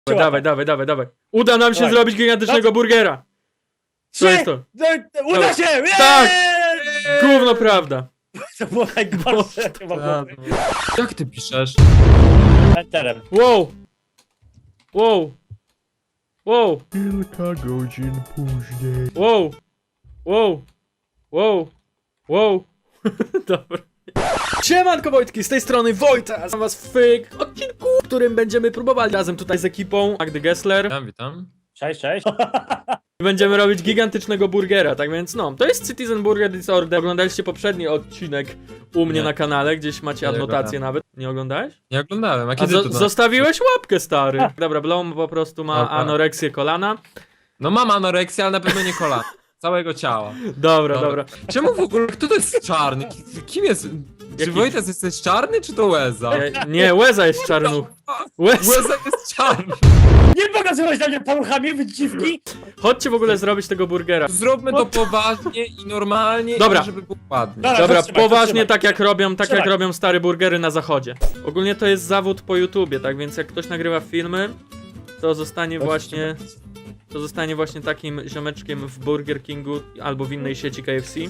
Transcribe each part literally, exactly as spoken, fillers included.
Dawaj, dawaj, dawaj, dawaj. Uda nam się Dawaj. zrobić gigantycznego burgera. Co jest to? No, uda się! Eee! Tak! Gówno prawda. To było najgorsze chyba A, było. Jak ty piszesz? Enterem. Wow. Wow. Wow. Kilka godzin później. Wow. Wow. Wow. Wow. Dobra. Siemanko Wojtki, z tej strony Wojta. Znam was w odcinku, w którym będziemy próbowali razem tutaj z ekipą Magdy Gessler. Witam, witam. Cześć, cześć. Będziemy robić gigantycznego burgera, tak więc no, to jest Citizen Burger Disorder. Oglądaliście poprzedni odcinek u mnie Nie. na kanale, gdzieś macie Nie adnotację oglądałem. nawet. Nie oglądałeś? Nie oglądałem, a A kiedy zo to na... zostawiłeś łapkę, stary. Dobra, Blom po prostu ma Dobra. anoreksję kolana. No mam anoreksję, ale na pewno nie kolana. Całego ciała. Dobra, dobra. Czemu w ogóle, kto to jest czarny? Ki- Kim jest? Czy Jaki- Wojtas jesteś czarny, czy to Łeza? Nie, nie, Łeza jest czarnuch. Łeza. Łeza jest czarny. Nie pokazywać na mnie paluchami, wy dziwki. Chodźcie w ogóle zrobić tego burgera. Zróbmy to poważnie i normalnie, Dobra. i żeby było ładnie. Dobra, Dobra, to trzymaj, to poważnie trzymaj. tak jak robią, tak jak Trzymaj. robią stare burgery na zachodzie. Ogólnie to jest zawód po YouTubie, tak więc jak ktoś nagrywa filmy, to zostanie właśnie, to zostanie właśnie takim ziomeczkiem w Burger Kingu albo w innej sieci K F C.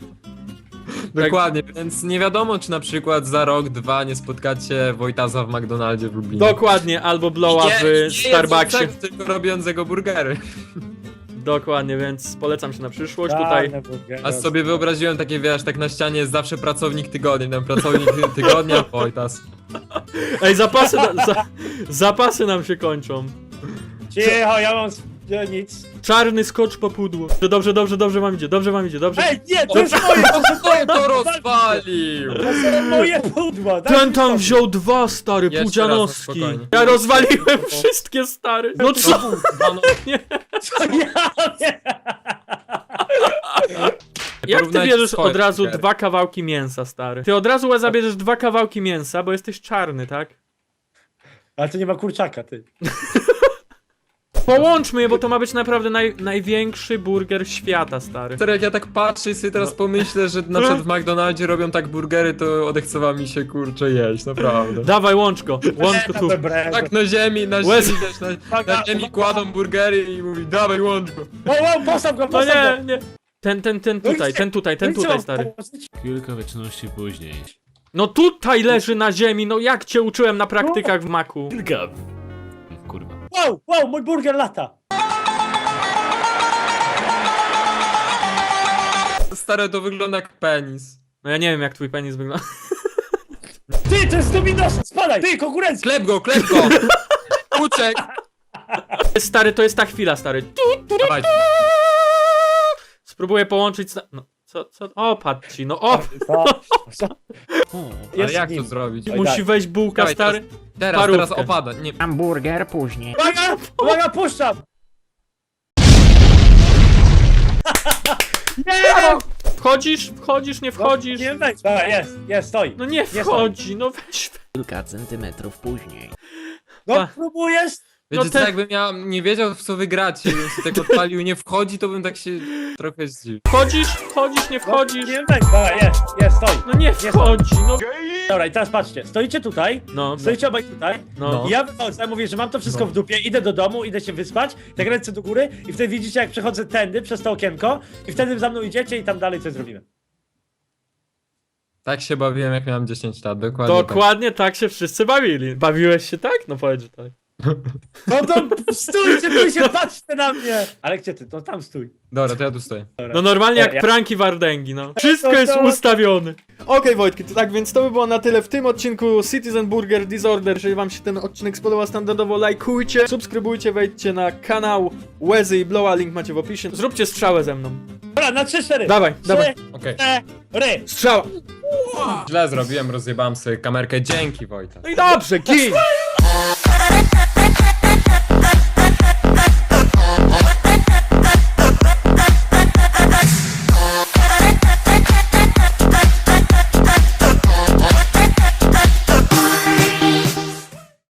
Dokładnie, więc nie wiadomo, czy na przykład za rok, dwa nie spotkacie Wojtasa w McDonaldzie w Lublinie. Dokładnie, albo Blowa Nie- w nie Starbucksie. jedzącego, tylko robiącego burgery. Dokładnie, więc polecam się na przyszłość Czarne tutaj. burgery. A sobie wyobraziłem takie, wiesz, tak na ścianie jest zawsze pracownik tygodnia, tam pracownik tygodnia, Wojtas. Ej, zapasy, na, za, zapasy nam się kończą. Cicho, ja mam... Ja nic. Czarny skocz po pudło. Dobrze, dobrze, dobrze wam idzie, dobrze wam idzie, dobrze. Ej, nie, to jest moje, Kto to rozwalił? to są moje pudła. daj Ten mi tam to. wziął dwa, stary, Jeszcze pudzianowski. raz, no spokojnie. Ja rozwaliłem wszystkie, stary. No co? Co ja nie? Jak ty Porównajcie bierzesz swoje od razu burgery. dwa kawałki mięsa, stary? Ty od razu zabierzesz dwa kawałki mięsa, bo jesteś czarny, tak? Ale to nie ma kurczaka, ty. Połączmy je, bo to ma być naprawdę naj, największy burger świata, stary. Stary, jak ja tak patrzę i sobie teraz pomyślę, że na przykład w McDonaldzie robią tak burgery, to odechcewa mi się kurczę jeść, naprawdę. Dawaj, łącz go, łącz go tu. Tak na ziemi, na Łez- ziemi, wiesz, na, na ziemi kładą burgery i mówi, dawaj łącz go. O, o, postaw go, No postaw nie, go. nie. Ten, ten, ten tutaj, ten tutaj, ten No i co tutaj, mam stary. położyć? Kilka wieczności później. No tutaj leży na ziemi, no jak cię uczyłem na praktykach w maku. Kilka... Kurwa. Wow, wow, mój burger lata. Stare, to wygląda jak penis. No ja nie wiem jak twój penis wygląda. Ty, to jest Dominos, spadaj. Ty, konkurencja. Klep go, klep go! Uciek! Stary, to jest ta chwila, stary. Dawaj, Spróbuję połączyć z... No, co, co? O, patrz ci, no o! Co? Co? ale Jest jak to nim. zrobić? Oj, Musi tak. wejść bułka, Dawaj, stary. Teraz, Parówkę. teraz opada, nie. Hamburger później. Uwaga, uwaga, puszczam. Nie! Wchodzisz, wchodzisz, nie wchodzisz. Nie wejdź. Dobra, jest, jest, stoi. No nie wchodzi, no weź. Kilka centymetrów później. No, Pa. próbujesz? Wiecie No co, te- jakbym ja nie wiedział w co wygracie, bym się tak odpalił nie wchodzi, to bym tak się trochę zdziwił. Wchodzisz, wchodzisz, nie No, wchodzisz. nie wejdź. Dobra, jest, jest, stoi. No nie wchodzi, no. Dobra, i teraz patrzcie, stoicie tutaj, No, stoicie obaj tutaj. no. I ja wychodzę, mówię, że mam to wszystko No. w dupie, idę do domu, idę się wyspać, tak ręce do góry i wtedy widzicie, jak przechodzę tędy, przez to okienko i wtedy za mną idziecie i tam dalej coś zrobimy. Tak się bawiłem jak miałem dziesięć lat, dokładnie Dokładnie tak się wszyscy bawili. Bawiłeś się tak? No powiedz, że tak. No to stójcie, tu się patrzcie na mnie! Ale gdzie ty? No tam stój. tak. Dobra, to ja tu stoję. No normalnie jak Ja- pranki Wardęgi, no. Wszystko to- jest to- ustawione. Okej Wojtki, to tak więc to by było na tyle w tym odcinku Citizen Burger Disorder. Jeżeli wam się ten odcinek spodobał, standardowo lajkujcie, subskrybujcie, wejdźcie na kanał Łezy i Blowa, link macie w opisie. Zróbcie strzałę ze mną. Dobra, na trzy, cztery. Dawaj, dawaj. Okej. Cztery. Strzała. Źle zrobiłem, rozjebałem sobie kamerkę. Dzięki, Wojta. No i dobrze, gin!